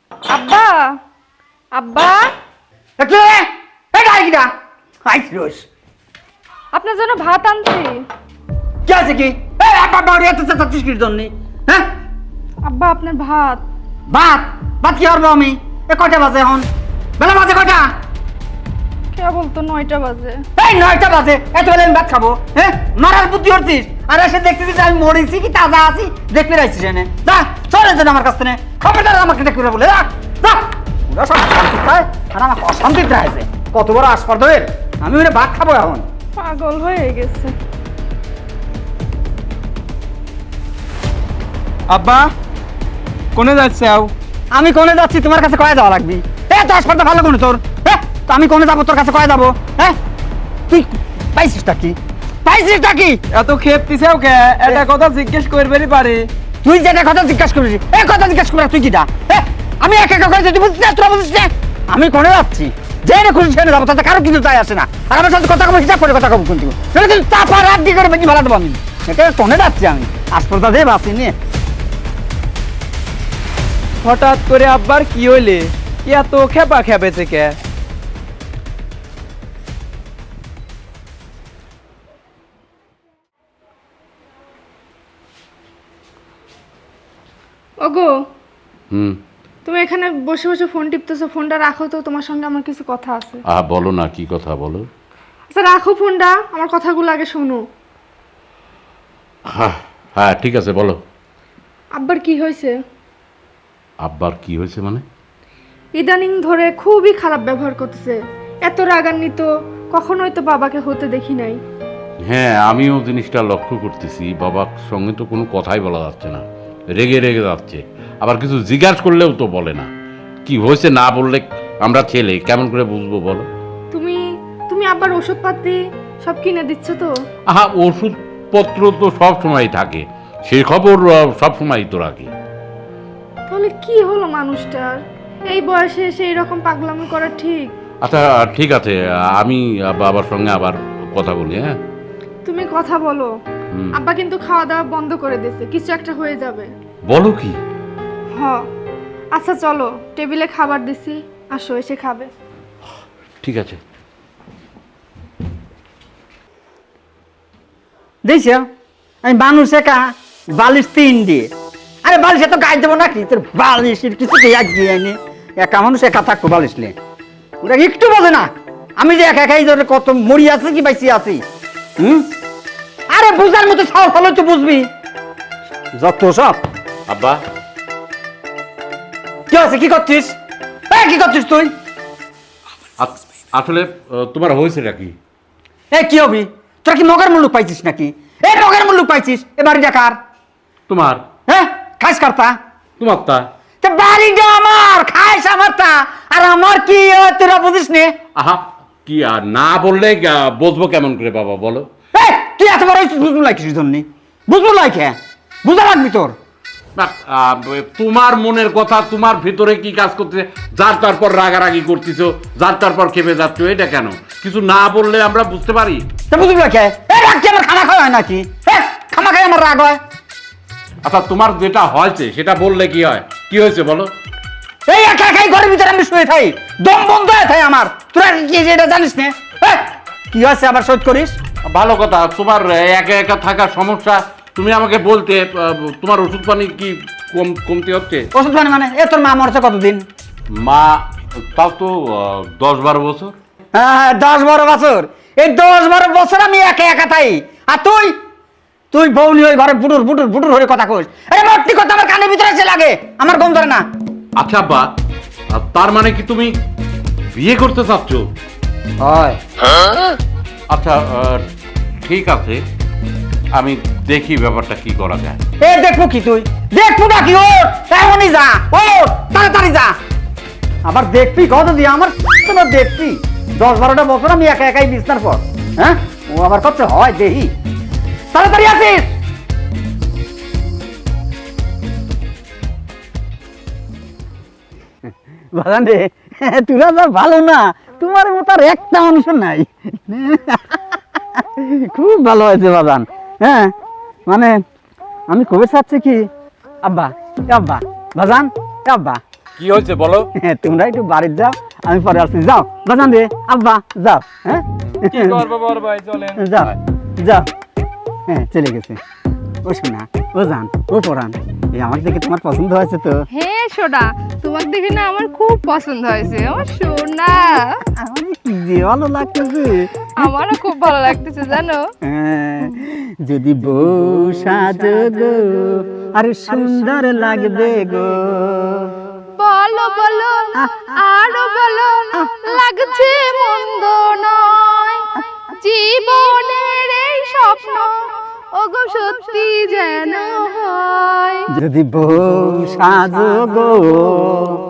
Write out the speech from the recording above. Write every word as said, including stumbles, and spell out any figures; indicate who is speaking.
Speaker 1: আব্বা আব্বা আপনার জন্য ভাত আনছি।
Speaker 2: কি আছে কি? হ্যাঁ
Speaker 1: আব্বা আপনার ভাত।
Speaker 2: ভাত ভাত কি করবো আমি? এ কয়টা বাজে এখন? বেলা বাজে কয়টা?
Speaker 1: কে বলতো নয়টা বাজে?
Speaker 2: এই নয়টা বাজে, এত বেলা আমি ভাত খাবো? হ্যাঁ মারার বুদ্ধি করছিস? আর এসে দেখতেছিস আমি মরেছি কি তাজা আছি দেখতে রাখছিস এনে। যা চলে যেন আমার কাছ থেকে খবরদার আমাকে দেখতে বলে যা যা। ওরা সব শান্তি পায় আর আমাকে অশান্তিতে আছে। কত বড় আসপার্ধের, আমি ওরে ভাত খাবো এখন।
Speaker 1: পাগল হয়ে গেছে।
Speaker 3: আব্বা কোনে যাচ্ছে? আও
Speaker 2: আমি কোনে যাচ্ছি তোমার কাছে কয়ে যাওয়া লাগবি? এ তো আসপার্ধা ভালো কোনে তোর? হ্যাঁ তো আমি কোনে যাবো তোর কাছে কয়ে যাবো? হ্যাঁ তুই পাইছিসটা কি? পাইছিসটা কি?
Speaker 3: এত খেপ দিছেও কে? এটা কথা জিজ্ঞেস করবেরই পারে।
Speaker 2: তুই যেটা কথা জিজ্ঞাসা করেছিস এই কথা জিজ্ঞাসা করে তুই কিটা? হ্যাঁ আমি একা একা করে তুই বুঝছিস না, তোরা বুঝছিস না? আমি কোনে যাচ্ছি যেখানে খুশি সেখানে যাবো, তাতে কারো কিছু তাই আসে না। আর আমার সাথে কথা কবো হিসাব করে কথা কবো কিন্তু চাপা রাত দিয়ে করে বেশি ভালো দেবো আমি। এটা কোনে যাচ্ছি আমি আসপার্ধা দিয়ে বাঁচি নিয়ে।
Speaker 3: হঠাৎ করে আব্বার কি হইলে এত খেপা খেপেছে কে?
Speaker 1: ওগো
Speaker 4: হুম
Speaker 1: তুমি এখানে বসে বসে ফোন টিপতেছো, ফোনটা রাখো তো, তোমার সঙ্গে আমার কিছু কথা আছে।
Speaker 4: আহ বলো না, কি কথা বলো।
Speaker 1: আচ্ছা রাখো ফোনটা, আমার কথাগুলো আগে শোনো।
Speaker 4: হ্যাঁ হ্যাঁ ঠিক আছে বলো।
Speaker 1: আব্বার কি হয়েছে?
Speaker 4: আব্বার কি হয়েছে মানে?
Speaker 1: ইদানিং ধরে খুবই খারাপ ব্যবহার করতেছে। এত রাগান্বিত কখনোই তো বাবাকে হতে দেখি নাই।
Speaker 4: হ্যাঁ আমিও জিনিসটা লক্ষ্য করতেছি, বাবার সঙ্গে তো কোনো কথাই বলা যাচ্ছে না, রেগে রেগে যাচ্ছে। আবার কিছু জিজ্ঞাসা করলেও তো বলে না। কি হয়েছে না বললে আমরা ছেলে কেমন করে বুঝবো বলো?
Speaker 1: তুমি তুমি আব্বার ওষুধপাতি সব কিনে দিচ্ছ তো?
Speaker 4: আহা ওষুধপত্র তো সব সময় থাকে, সে খবর সব সময় তো রাখি।
Speaker 1: তাহলে কি হলো মানুষটার? এই বয়সে সেই রকম পাগলামি করা ঠিক?
Speaker 4: আচ্ছা ঠিক আছে, আমি বাবার সঙ্গে আবার কথা বলি। হ্যাঁ
Speaker 1: তুমি কথা বলো।
Speaker 4: হুম।
Speaker 1: আব্বা কিন্তু খাওয়া দাওয়া বন্ধ করে দিয়েছে, কিছু একটা হয়ে যাবে।
Speaker 4: বলো কি?
Speaker 1: হ আচ্ছা চলো, টেবিলে খাবার দিছি, আসো এসে খাবে।
Speaker 4: ঠিক আছে।
Speaker 2: দেখছ আমি মানুষ একা বালিশ তিন দিয়ে, আরে বালিশ এত গায়ে দেবো নাকি তোর বালিশের কিছু এক দিয়ে আইনি। একা মানুষ একা থাকতো বালিশ নিয়ে, ওরা একটু বোঝে না আমি যে একা একাই ধরে কত মরি আছে কি বাইসি আছি। হুম আরে বুঝার মতো ছাও ফলো তো বুঝবি যত সব।
Speaker 4: আব্বা
Speaker 2: কি আছে? কি করছিস? এই কি করছিস তুই?
Speaker 4: আ- আসলে আহ, তোমার হয়েছেটা কি?
Speaker 2: এই কি হবি তোরা? কি মগের মুল্লুক পাইছিস নাকি? এই মগের মুল্লুক পাইছিস? এ বাড়িটা কার?
Speaker 4: তোমার
Speaker 2: হ্যাঁ খাইস কারতা?
Speaker 4: তোমার তা
Speaker 2: তা বাড়িটা আমার, খাইস আমার তা। আর আমার কি হয় তোরা বুঝিস নে?
Speaker 4: আহা কি আর না বললে আহ, বুঝবো কেমন করে বাবা বলো?
Speaker 2: এই তুই এত বড় হইছিস বুঝবো লাইকিস জন্য বুঝবো লাইকে বুঝা লাগবি তোর।
Speaker 4: না, আহ, তোমার মনের কথা তোমার ভিতরে কি কাজ করতেছে, যার তারপর রাগারাগি করতেছো, যার তারপর খেপে যাচ্ছ, এটা কেন? কিছু না বললে আমরা বুঝতে পারি।
Speaker 2: তা বুঝবো লাইকে এই রাগ কি আমার খানা খাওয়া হয় নাকি? হ্যাঁ খানা খাই আমার রাগ হয়?
Speaker 4: আচ্ছা তোমার যেটা হয়েছে সেটা বললে কি হয়? কি হয়েছে বলো?
Speaker 2: এই একা একাই ঘরের ভিতরে আমি শুয়ে থাই, দম বন্ধ হয়ে থাই আমার। তোরা কি এটা জানিস না? হ্যাঁ কি হয়েছে আবার শোধ করিস?
Speaker 4: ভালো কথা, তোমার একা একা থাকার সমস্যা তুমি আমাকে বলতে। আহ, তোমার ওষুধ পানি কি কম কমতে হচ্ছে?
Speaker 2: ওষুধ পানি মানে? এ তোর মা মরছে কতদিন?
Speaker 4: মা তাও তো আহ, দশ বারো বছর।
Speaker 2: হ্যাঁ দশ বারো বছর, এই দশ বারো বছর আমি একা একা থাই। আর তুই তুই বউলি হয়ে ঘরে বুটুর বুটুর বুটুর হয়ে কথা কইস। আরে মর্তি কথা আমার কানের ভিতরে এসে লাগে, আমার গম ধরে না।
Speaker 4: আচ্ছা আব্বা, আহ, তার মানে কি তুমি বিয়ে করতে চাচ্ছ?
Speaker 2: হয়
Speaker 4: আচ্ছা আহ, ঠিক আছে, আমি দেখি ব্যাপারটা কি করা যায়।
Speaker 2: এ দেখবো কি? তুই দেখবো না কি? ও এমনই যা, ও তাড়াতাড়ি যা। আবার দেখবি কত দিয়ে আমার তোমার দেখবি দশ বারোটা বছর আমি একা একাই বিছনার পর। হ্যাঁ ও আবার কত হয় দেখি, তাড়াতাড়ি আসিস। বাজান রে তোরা যা ভালো না, তোমার মতো আর একটা মানুষ নাই। খুব ভালো হয়েছে বাজান। হ্যাঁ মানে আমি কবে চাচ্ছি কি আব্বা, এ আব্বা বাজান, এ আব্বা
Speaker 4: কি হয়েছে বলো?
Speaker 2: হ্যাঁ, তোমরা একটু বাড়িতে যাও, আমি পরে আসছি। যাও বাজান রে, আব্বা যাও। হ্যাঁ
Speaker 3: কি করবো বড় ভাই, চলেন।
Speaker 2: যাও যাও। হ্যাঁ চলে গেছে। ও শোনা, ও জান, ও পরান, এই আমার দেখে তোমার পছন্দ হয়েছে তো?
Speaker 1: হ্যাঁ সোনা, তোমাকে দেখে না আমার খুব পছন্দ হয়েছে। আমার সোনা,
Speaker 2: আমার যে কি যে ভালো লাগতেছে।
Speaker 1: আমারও খুব ভালো লাগতেছে জানো।
Speaker 2: হ্যাঁ, যদি বউ সাজো গো, আরে সুন্দর লাগবে গো।
Speaker 1: বলো বলো আরো বলো, লাগছে মন্দ নয়, জীবনের এই স্বপ্ন ওগো সত্যি যেন হয়।
Speaker 2: যদি বউ সাজো গো,